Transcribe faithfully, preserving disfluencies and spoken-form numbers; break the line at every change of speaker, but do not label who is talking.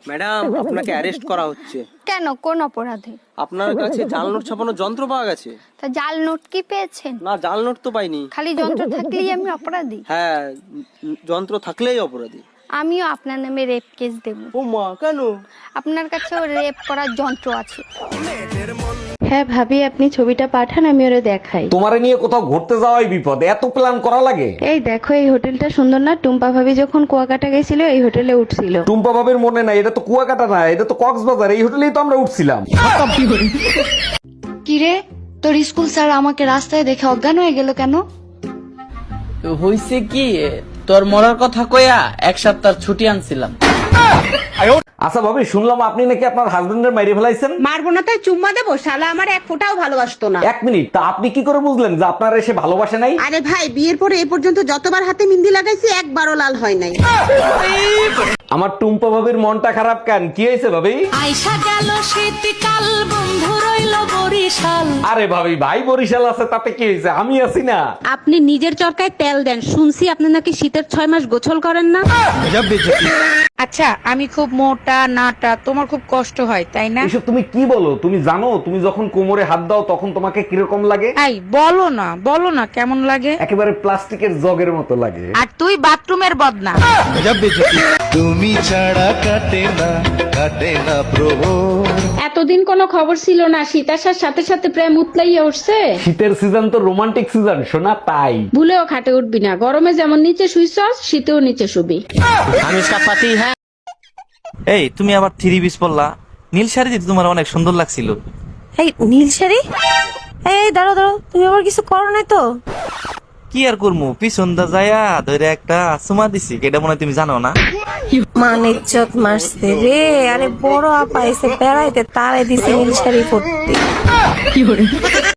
Madam, আপনাকে arrest করা হচ্ছে।
কেন, কোন অপরাধে?
আপনার কাছে জাল নোট ছাপানোর যন্ত্র পাওয়া গেছে।
তা জাল নোট কি পেয়েছেন?
না, জাল নোট তো পাইনি।
খালি যন্ত্র থাকলেই আমি অপরাধী?
হ্যাঁ, যন্ত্র থাকলেই অপরাধী।
আমিও আপনার নামে রেপ কেস দেব।
ও মা, কেন?
আপনার কাছেও রেপ করার যন্ত্র আছে।
হ্যাঁ ভাবি, আপনি ছবিটা পাঠান, আমি ওরে দেখাই।
তোমারে নিয়ে কোথাও ঘুরতে যাওয়াই বিপদ, এত প্ল্যান করা লাগে?
এই দেখো, এই হোটেলটা সুন্দর না? টুম্পা ভাবি যখন কুয়াকাটা গেছিল এই হোটেলে উঠছিল।
টুম্পা ভাবের মনে নাই? এটা তো কুয়াকাটা না, এটা তো কক্সবাজার। এই হোটেলেই তো আমরা উঠছিলাম।
কিরে, তোর স্কুল স্যার আমাকে রাস্তায় দেখে অজ্ঞান হয়ে গেল কেন?
হইছে কি, তোর মরার কথা কইয়া এক সপ্তাহ ছুটি আনছিলাম।
আচ্ছা ভাবি, শুনলাম আপনি নাকি আপনার হাজবেন্ডের মাইরে ফেলাইছেন।
মারবো না তাই চুম্মা দেবো? শালা আমার এক ফোঁটাও ভালোবাসতো না।
এক মিনিট, তা আপনি কি করে বুঝলেন যে আপনার এসে ভালোবাসে নাই?
আরে ভাই, বিয়ের পরে এ পর্যন্ত যতবার হাতে মেহেন্দি লাগাইছি একবারও লাল হয় নাই।
আমার টুম্পা ভাবির মনটা খারাপ কেন? কি হয়েছে ভাবি?
আইসা গেল শীতকাল, বন্ধু রইল বরিশাল।
আরে ভাবি, ভাই বরিশাল আছে তাতে কি হয়েছে, আমি আছি না।
আপনি নিজের চরকায় তেল দেন, শুনছি আপনি নাকি শীতের ছয় মাস গোসল করেন না। আচ্ছা, আমি খুব মোটা নাটা, তোমার খুব কষ্ট হয় তাই না?
এসব তুমি কি বলো? তুমি জানো তুমি যখন কোমরে হাত দাও তখন তোমাকে কিরকম লাগে?
এই বলো না, বলো না কেমন লাগে।
একেবারে প্লাস্টিকের জগের মতো লাগে।
আর তুই বাথরুমের বদনা।
তুমি ছাড়া কাটে না, কাটে না প্রভু।
এতদিন কোনো খবর ছিল না, শীত আসার সাথে সাথে প্রেম উতলাইয়া উঠছে।
শীতের সিজন তো রোমান্টিক সিজন শোনা, তাই
ভুলেও খাটে উঠবি না। গরমে যেমন নিচে শুইছস, শীতেও নিচে শুবি।
আমি इसका पति है। এই তুমি আবার থ্রি পিস পরলা, নীল শাড়ি দিতে তোমার অনেক সুন্দর লাগছিল।
এই নীল শাড়ি? এই দাঁড়ো দাঁড়ো, তুমি আবার কিছু করো নাই তো?
কি আর করমু, পিছন দা যায়া ধরে একটা সুমা দিছি, এটা মনে হয় তুমি জানো না।
মান ইজ্জত মারছে রে। আরে বড় আপা এসে বেড়াইতে, তারে দিছে নীল শাড়ি পরতে।